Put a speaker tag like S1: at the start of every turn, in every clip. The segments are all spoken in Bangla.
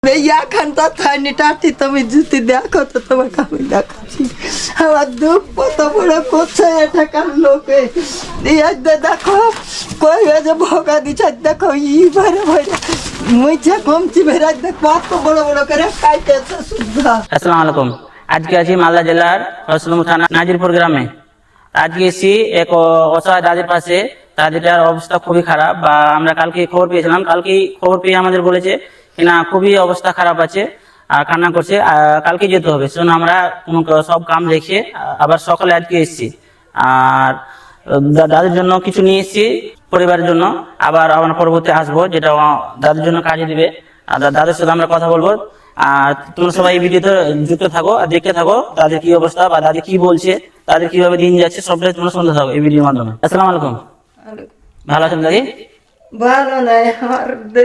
S1: এইখানটা থাইনি টাটি তুমি যদি দেখো তো তোমাকে আমি দেখাচ্ছি আমার দুঃখ কত বড় করছে এটাকার লোকে দেখো কই যে ভোগা দিচ্ছে দেখো ভরে ভরে মুইছে কমছি ভেড়া দেখ কত বড় বড় করে খাইতেছে শুদ্ধ।
S2: আসসালামু আলাইকুম। আজকে আছি মালদা জেলার রসুলপুর থানা নাজিরপুর গ্রামে। আজকে এসি এক অসহায় দাদির পাশে। দাদিটার অবস্থা খুবই খারাপ, বা আমরা কালকে খবর পেয়েছিলাম, কালকেই খবর পেয়ে আমাদের বলেছে কিনা খুবই অবস্থা খারাপ আছে আর কান্না করছে, কালকে যেতে হবে। সেজন্য আমরা সব কাম রেখে আবার সকালে আজকে এসেছি। আর দাদির জন্য কিছু নিয়ে এসেছি পরিবারের জন্য, আবার আমরা পরবর্তী আসবো যেটা দাদির জন্য কাজে দিবে। আর দাদির সাথে আমরা কথা বলবো। আর তোমরা সবাই এই ভিডিওতে যুক্ত থাকো আর দেখতে থাকো তাদের কি অবস্থা বা দাদি কি বলছে, তাদের কিভাবে দিন যাচ্ছে, সবটাই তোমরা শুনতে থাকো এই ভিডিওর মাধ্যমে। আসসালামু আলাইকুম। ভালো আছেন দাদি?
S1: ভালো নাই আমার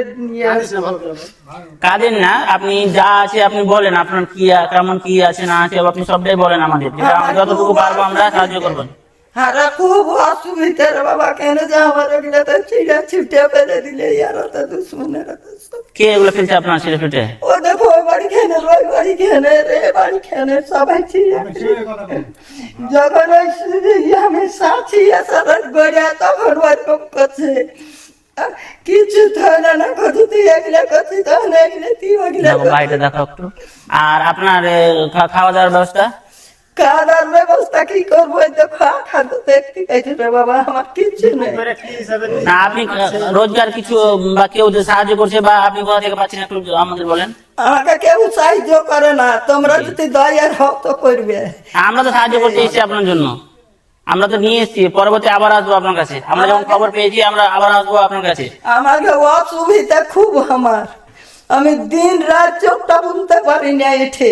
S2: কাজের না, আপনি যা আছে আপনি বলেন, আপনার কি কেমন কি আছে না আছে আপনি সবটাই বলেন আমাদের, যতটুকু পারবো আমরা সাহায্য করবো।
S1: হারা খুব অসুবিধা রে বাবা, কেন যে আমার ওগুলো তো চিড়া ছুটে ফেলে দিলে ইয়ারা তো দুশ্মনেরা তো সব।
S2: কে এগুলো ফেলছে আপনার ছেলে ফেটে?
S1: ও দেখো ওই বাড়ি খেনে ওই বাড়ি খেনে রে বাড়ি খেনে সবাই ছিঁড়ে যখন ওই আমি সাথী সারা গড়িয়া তখন ওরকম করছে কিছু ধরে না কত তুই এগুলো করছিস তখন এগুলো তুই ওগুলো
S2: বাড়িটা দেখো একটু। আর আপনার খাওয়া দাওয়ার ব্যবস্থা?
S1: খাওয়ার ব্যবস্থা কি করবো? খাদ্য দেখতে গেছে রে বাবা, আমার কিচ্ছু নেই।
S2: না আপনি রোজগার কিছু বা কেউ যে সাহায্য করছে বা আপনি কোথা থেকে পাচ্ছেন একটু আমাদের বলেন।
S1: আমাকে কেউ সাহায্য করে না, তোমরা যদি দয়ার হও তো করবে।
S2: আমরা তো সাহায্য করতে এসেছি আপনার জন্য, আমরা তো নিয়ে এসেছি, পরবর্তী আবার আসবো আপনার কাছে। আমরা যখন খবর পেয়েছি আমরা আবার আসবো আপনার কাছে।
S1: আমাকে অসুবিধা খুব আমার, আমি দিন রাত চোখটা বুনতে পারি না এঠে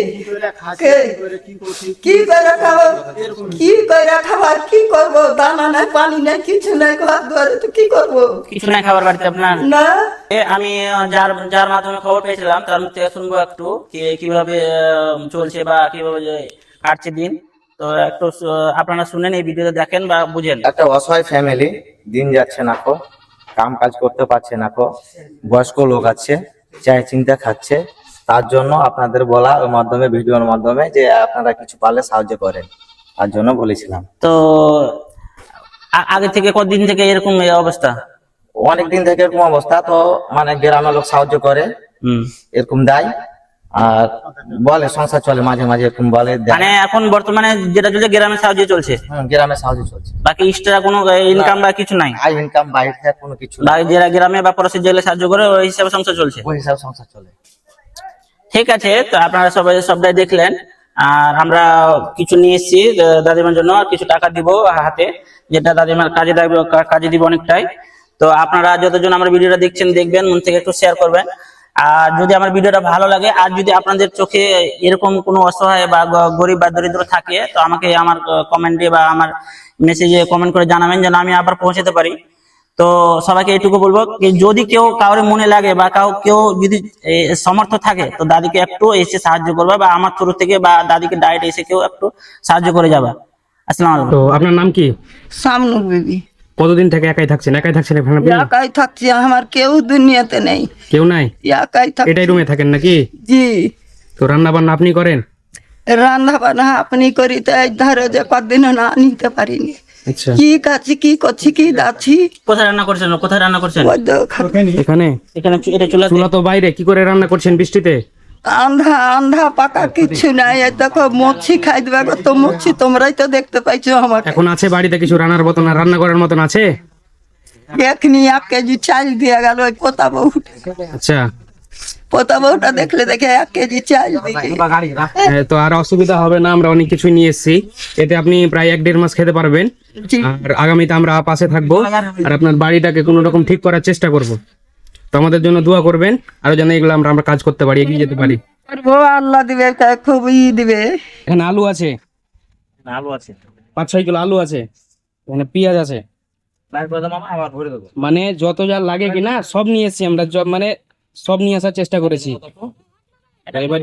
S1: কি করে খাবো, কি করে খাবার কি করবো, দানা নাই পানি নাই কিছু নাই, ঘর দুয়ারে তো কি করবো,
S2: কিছু নাই খাবার বাড়িতে আপনার?
S1: না
S2: আমি যার যার মাধ্যমে খবর পেয়েছিলাম তার মুখ থেকে শুনবো একটু কিভাবে চলছে বা কিভাবে কাটছে দিন। তো একটু আপনারা শুনেন, এই ভিডিওতে দেখেন বা বুঝেন।
S3: একটা অসহায় ফ্যামিলি, দিন যাচ্ছে না কো, কাম কাজ করতে পারছে না কো, বয়স্ক লোক আছে, চাই চিন্তা খাচ্ছে। তার জন্য আপনাদের বলা ওর মাধ্যমে, ভিডিওর মাধ্যমে, যে আপনারা কিছু পারলে সাহায্য করেন, তার জন্য বলেছিলাম।
S2: তো আগে থেকে কতদিন থেকে এরকম এই অবস্থা?
S3: অনেকদিন থেকে এরকম অবস্থা, তো মানে গ্রামের লোক সাহায্য করে, এরকম দেয় আর বলে সংসার চলে, মাঝে মাঝে এরকম বলে
S2: মানে এখন বর্তমানে যেটা চলছে গ্রামে সাহায্য চলছে,
S3: গ্রামে সাহায্য চলছে,
S2: বাকি এক্সট্রা কোনো ইনকাম বা কিছু নাই।
S3: আই ইনকাম বাইরে থেকে কোনো কিছু
S2: বা যারা গ্রামে বা পড়াশি জেলে সাহায্য করে ওই হিসাবে সংসার চলছে,
S3: ওই হিসাবে সংসার চলে।
S2: ঠিক আছে, তো আপনারা সবটাই দেখলেন। আর আমরা কিছু নিয়ে এসেছি দাদিমার জন্য, আর কিছু টাকা দিব হাতে, যেটা দাদিমার কাজে দিব অনেকটাই। তো আপনারা যতজন আমার ভিডিওটা দেখবেন, মন থেকে একটু শেয়ার করবেন। আর যদি আমার ভিডিওটা ভালো লাগে, আর যদি আপনাদের চোখে এরকম কোনো অসহায় বা গরিব বা দরিদ্র থাকে, তো আমাকে আমার কমেন্টে বা আমার মেসেজে কমেন্ট করে জানাবেন, যেন আমি আবার পৌঁছাতে পারি। তো সবাইকে এইটুকু বলবো, যদি কেউ কাউরে মনে লাগে বা কেউ যদি সমর্থ থাকে, তো দাদিকে একটু এসে সাহায্য করবে, বা আমার থ্রু থেকে বা দাদিকে ডাইরেক্ট এসে কেউ একটু সাহায্য করে যাবে। আসসালামু আলাইকুম।
S4: তো আপনার নাম কি?
S1: সামনু বিবি।
S4: কতদিন থেকে একাই থাকছেন এখানে আপনি?
S1: একাই থাকছি, আমার কেউ দুনিয়াতে নেই।
S4: কেউ নাই?
S1: একাই থাকছি।
S4: এটাই রুমে থাকেন নাকি?
S1: জি।
S4: তো রান্না বান্না আপনি করেন?
S1: রান্না বান্না আপনি করি, তো এই ধরো যে কদিন না নিতে পারিনি।
S4: আচ্ছা,
S1: কি কাছি কি করছি কি দাচ্ছি।
S2: কোথায় রান্না করছেন?
S4: এখানে?
S2: এখানে এটা
S4: চুলা তো বাইরে, কি করে রান্না করছেন বৃষ্টিতে?
S1: আন্ধা আন্ধা পাকা কিছু নাই, এই দেখো মচ্ছি খাই দেবে গো, তো মচ্ছি তোমরাই তো দেখতে পাইছো আমাকে।
S4: এখন আছে বাড়িতে কিছু রান্নার মতন, রান্না করার মতন আছে?
S1: এখনি 1 কেজি চাল দিয়ে গেল ওই পোতা বউ।
S4: আচ্ছা,
S1: পোতা বউটা দেখলে দেখে 1 কেজি চাল দিয়ে।
S4: তো আর অসুবিধা হবে না, আমরা অনেক কিছু নিয়ে এসেছি, এতে আপনি প্রায় 1-1.5 মাস খেতে পারবেন।
S1: জি।
S4: আর আগামীতে আমরা পাশে থাকবো, আর আপনার বাড়িটাকে কোনো রকম ঠিক করার চেষ্টা করব। তো আমাদের জন্য দোয়া করবেন, আরো যেন এগুলো আমরা কাজ করতে পারি, এগিয়ে যেতে পারি।
S1: করবো, আল্লাহ দিবে, খুবই দিবে।
S4: এখানে আলু আছে, 5-6 কিলো আলু আছে, এখানে পেঁয়াজ আছে, মানে যত যা লাগে কিনা সব নিয়ে এসেছি আমরা, মানে সব নিয়ে আসার চেষ্টা করেছি। এবার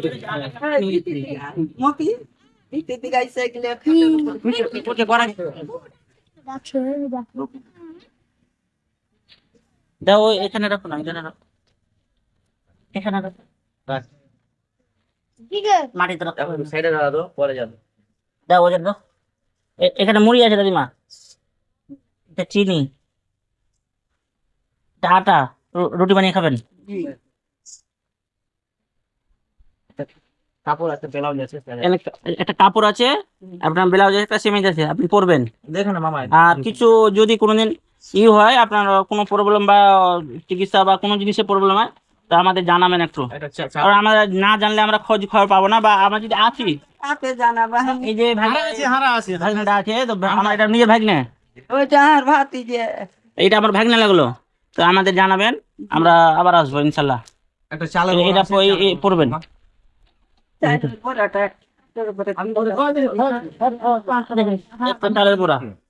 S2: দাও এখানে রাখো না, এখানে রাখো। মাটি তো সাইডে দাও পরে যাবে দাও ওজন দাও এখানে মুড়ি আছে দাদিমা এটা চিনি এটা আটা রুটি বানিয়ে খাবেন
S3: কাপড় আছে ব্লাউজ আছে
S2: একটা কাপড় আছে আপনার ব্লাউজ আছে একটা সেমিজ আছে আপনি পরবেন
S3: দেখুন মামা
S2: আর কিছু যদি কোনোদিন হয় আপনার কোনো প্রবলেম বা চিকিৎসা বা কোনো জিনিসের প্রবলেম হয় তা আমাদের জানাবেন একটু আর আমরা না জানলে আমরা খোঁজ খবর পাবো না বা আমরা যদি আছি
S1: আপনি জানাবা
S2: এই যে ভাগনাটা আছে তো আমার এটা নিজের ভাগনা
S1: ওইটা আর ভাতি যে
S2: এইটা আমার ভাগনা লাগলো তো আমাদের জানাবেন আমরা আবার আসবো ইনশাল্লাহ
S3: একটা চালের
S2: এটা পড়বেন
S1: পরাটা
S2: চালের পোড়া